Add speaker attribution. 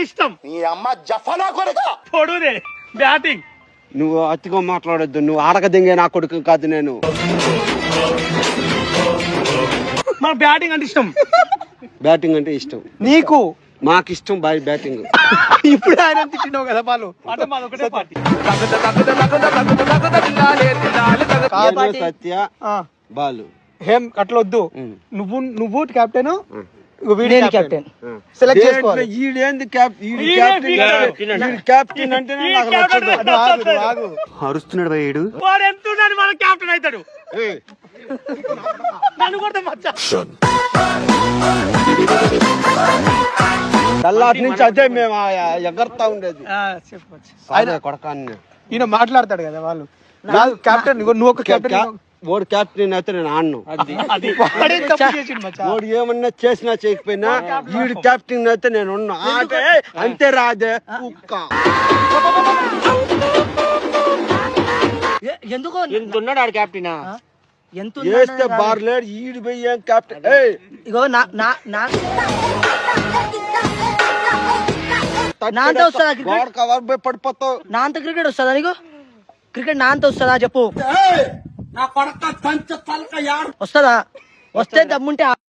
Speaker 1: ఇష్టం.
Speaker 2: నీ అమ్మ జఫనా కొడుక
Speaker 1: పొడుదే బ్యాటింగ్.
Speaker 3: నువ్వు అతిగా మాట్లాడొద్దు. నువ్వు ఆడక దింగే నా కొడుకు కాదు నేను.
Speaker 1: మన బ్యాటింగ్ అంటే ఇష్టం.
Speaker 3: బ్యాటింగ్ అంటే ఇష్టం
Speaker 1: నీకు?
Speaker 3: మాకు ఇష్టం బ్యాటింగ్.
Speaker 1: ఇప్పుడు ఆయన తిట్టినావు కదా వాళ్ళు. అంటే మాది ఒకటే పార్టీ.
Speaker 3: సత్య బాలు
Speaker 1: ఏం అట్లా వద్దు. నువ్వు కెప్టెన్, కెప్టెన్
Speaker 3: సెలెక్ట్ చేసుకోవాలి. ఈడేంది కెప్టెన్ అంటే అరుస్తున్నాడు భయ్యుడు.
Speaker 1: వాడు ఎంత మన కెప్టెన్ అవుతాడు. నన్ను కూడా మచ్చా
Speaker 3: తెల్లాటి నుంచి అదే మేము ఎగరతా ఉండేది.
Speaker 1: ఆయన
Speaker 3: కొడకాన్ని
Speaker 1: ఈయన మాట్లాడతాడు కదా వాళ్ళు. కెప్టెన్ నువ్వు ఒక కెప్టెన్.
Speaker 3: ఓడి కెప్టెన్ అయితే నేను ఆడను. ఓడి ఏమన్నా చేసినా చేయకపోయినా వీడు కెప్టెన్ అయితే నేను ఉన్నా. అంతే రాదే కుక్క.
Speaker 4: ఎందుకో
Speaker 1: ఎంతున్నాడు ఆడు కెప్టెన్.
Speaker 4: ఎంత
Speaker 3: వేస్తే బార్లేడు ఈడు పోయి ఏం కెప్టెన్.
Speaker 4: ఇగో నాంత వస్తుందా క్రికెట్?
Speaker 3: పడిపోతావు.
Speaker 4: నాంత క్రికెట్ వస్తుందా నీకు? క్రికెట్ నాంత వస్తుందా చెప్పు. వస్తుందా? వస్తే దమ్ముంటే